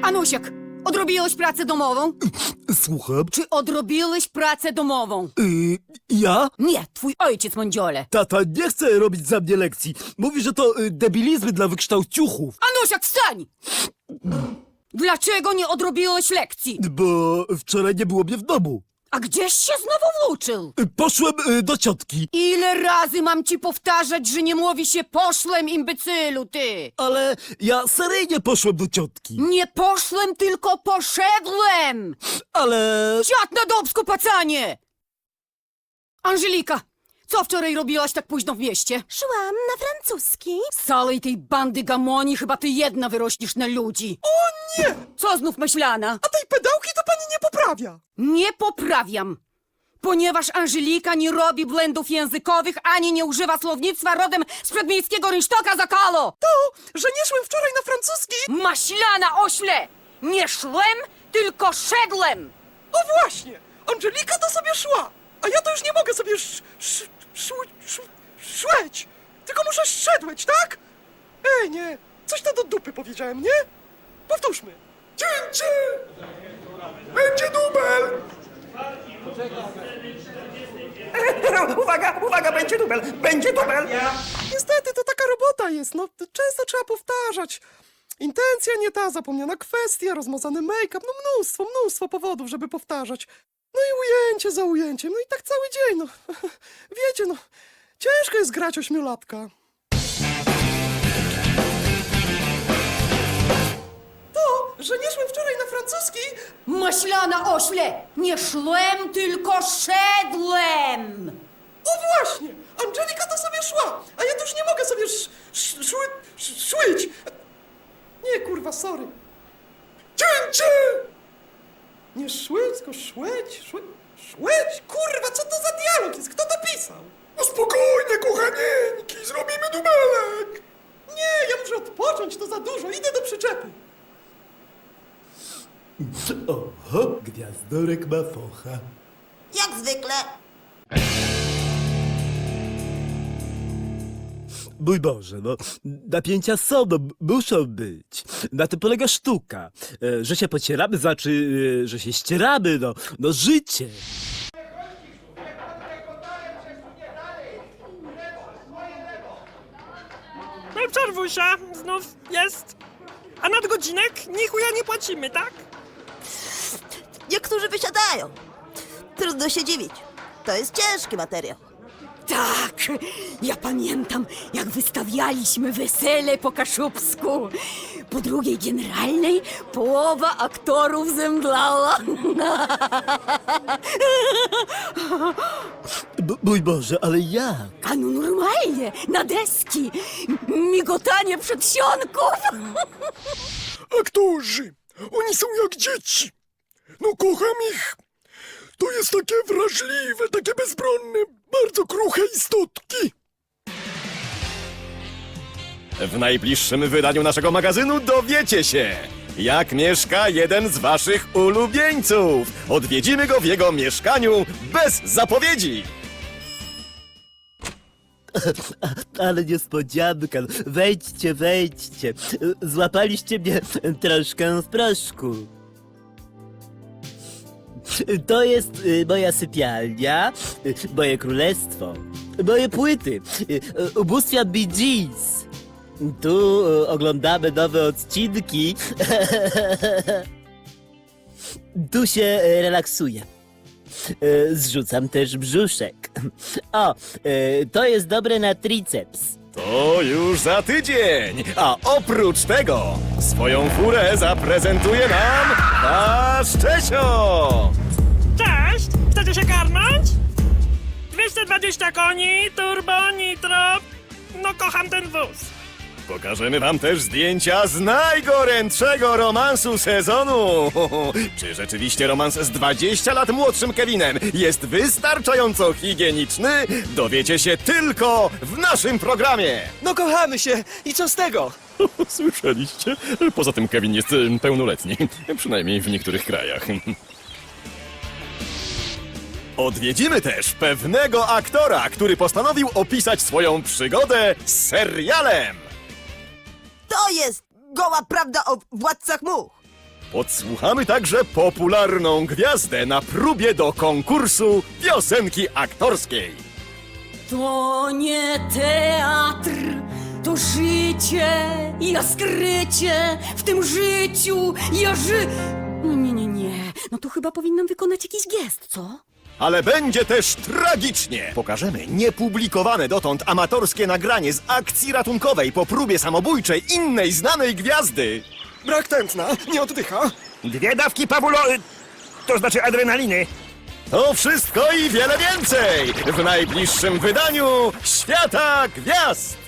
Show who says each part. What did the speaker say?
Speaker 1: Anusiek, odrobiłeś pracę domową?
Speaker 2: Słucham.
Speaker 1: Czy odrobiłeś pracę domową?
Speaker 2: Ja?
Speaker 1: Nie, twój ojciec, mądziole.
Speaker 2: Tata nie chce robić za mnie lekcji. Mówi, że to debilizmy dla wykształciuchów.
Speaker 1: Anusiek, wstań! Dlaczego nie odrobiłeś lekcji?
Speaker 2: Bo wczoraj nie było mnie w domu.
Speaker 1: A gdzieś się znowu włóczył?
Speaker 2: Poszłem do ciotki.
Speaker 1: Ile razy mam ci powtarzać, że nie mówi się poszłem, imbecylu, ty?
Speaker 2: Ale ja seryjnie poszłem do ciotki.
Speaker 1: Nie poszłem, tylko poszedłem!
Speaker 2: Ale...
Speaker 1: Siad na dubsku, pacanie! Angelika, co wczoraj robiłaś tak późno w mieście?
Speaker 3: Szłam na francuski.
Speaker 1: Z całej tej bandy gamoni chyba ty jedna wyrośniesz na ludzi.
Speaker 4: O nie!
Speaker 1: Co znów myślana?
Speaker 4: A tej pedałki to pani nie poprawia.
Speaker 1: Nie poprawiam, ponieważ Angelika nie robi błędów językowych ani nie używa słownictwa rodem z przedmiejskiego rynsztoka Zakalo.
Speaker 4: To, że nie szłem wczoraj na francuski...
Speaker 1: Maślana ośle! Nie szłem, tylko szedłem!
Speaker 4: O właśnie! Angelika to sobie szła, a ja to już nie mogę sobie szłeć, tylko muszę szedłeć, tak? Ej, nie, coś to do dupy powiedziałem, nie? Powtórzmy. Cięcie! Będzie dubel!
Speaker 5: Uwaga, będzie dubel! Będzie dubel!
Speaker 4: Niestety, to taka robota jest, no często trzeba powtarzać. Intencja nie ta, zapomniana kwestia, rozmazany make-up, no mnóstwo powodów, żeby powtarzać. No i ujęcie za ujęciem, no i tak cały dzień, no. Wiecie, no, ciężko jest grać ośmiolatka. To, że nie szłem wczoraj na francuski...
Speaker 1: Maślana ośle! Nie szłem, tylko szedłem!
Speaker 4: O właśnie! Angelika to sobie szła, a ja to już nie mogę sobie szłyć. Nie, kurwa, sorry. Cięcie! Nie szłyć, tylko szłyć? Kurwa, co to za dialog jest? Kto to pisał? No spokojnie, kochanieńki, zrobimy dubelek. Nie, ja muszę odpocząć, to za dużo, idę do przyczepy.
Speaker 2: Oho, gwiazdorek ma focha.
Speaker 3: Jak zwykle.
Speaker 2: Mój Boże, no, napięcia są, no, muszą być. Na tym polega sztuka. Że się pocieramy, znaczy, że się ścieramy, no życie.
Speaker 6: No i przerwusia, znów jest. A nadgodzinek ni chuja nie płacimy, tak?
Speaker 3: Niektórzy wysiadają. Trudno się dziwić. To jest ciężki materiał.
Speaker 1: Tak, ja pamiętam, jak wystawialiśmy wesele po kaszubsku. Po drugiej generalnej połowa aktorów zemdlała.
Speaker 2: Mój Boże, ale jak?
Speaker 1: A no normalnie, na deski, migotanie przedsionków.
Speaker 4: Aktorzy, oni są jak dzieci. No kocham ich. To jest takie wrażliwe, takie bezbronne, bardzo kruche istotki.
Speaker 7: W najbliższym wydaniu naszego magazynu dowiecie się, jak mieszka jeden z waszych ulubieńców. Odwiedzimy go w jego mieszkaniu bez zapowiedzi.
Speaker 2: Ale niespodzianka, wejdźcie. Złapaliście mnie troszkę w proszku. To jest moja sypialnia, moje królestwo, moje płyty, ubóstwiam Bee Gees. Tu oglądamy nowe odcinki. Tu się relaksuję. Zrzucam też brzuszek. O, to jest dobre na triceps.
Speaker 7: To już za tydzień. A oprócz tego swoją furę zaprezentuje nam nasz Czesio.
Speaker 6: Cześć! Chcecie się karnąć? 220 koni, turbo, nitro. No kocham ten wóz.
Speaker 7: Pokażemy wam też zdjęcia z najgorętszego romansu sezonu. Czy rzeczywiście romans z 20 lat młodszym Kevinem jest wystarczająco higieniczny? Dowiecie się tylko w naszym programie.
Speaker 5: No kochamy się i co z tego?
Speaker 7: Słyszeliście? Poza tym Kevin jest pełnoletni, przynajmniej w niektórych krajach. Odwiedzimy też pewnego aktora, który postanowił opisać swoją przygodę z serialem.
Speaker 3: To jest goła prawda o władcach much.
Speaker 7: Podsłuchamy także popularną gwiazdę na próbie do konkursu piosenki aktorskiej.
Speaker 1: To nie teatr, to życie, ja skrycie w tym życiu, Nie. No to chyba powinnam wykonać jakiś gest, co?
Speaker 7: Ale będzie też tragicznie! Pokażemy niepublikowane dotąd amatorskie nagranie z akcji ratunkowej po próbie samobójczej innej znanej gwiazdy.
Speaker 5: Brak tętna, nie oddycha. 2 dawki to znaczy adrenaliny.
Speaker 7: To wszystko i wiele więcej w najbliższym wydaniu Świata Gwiazd!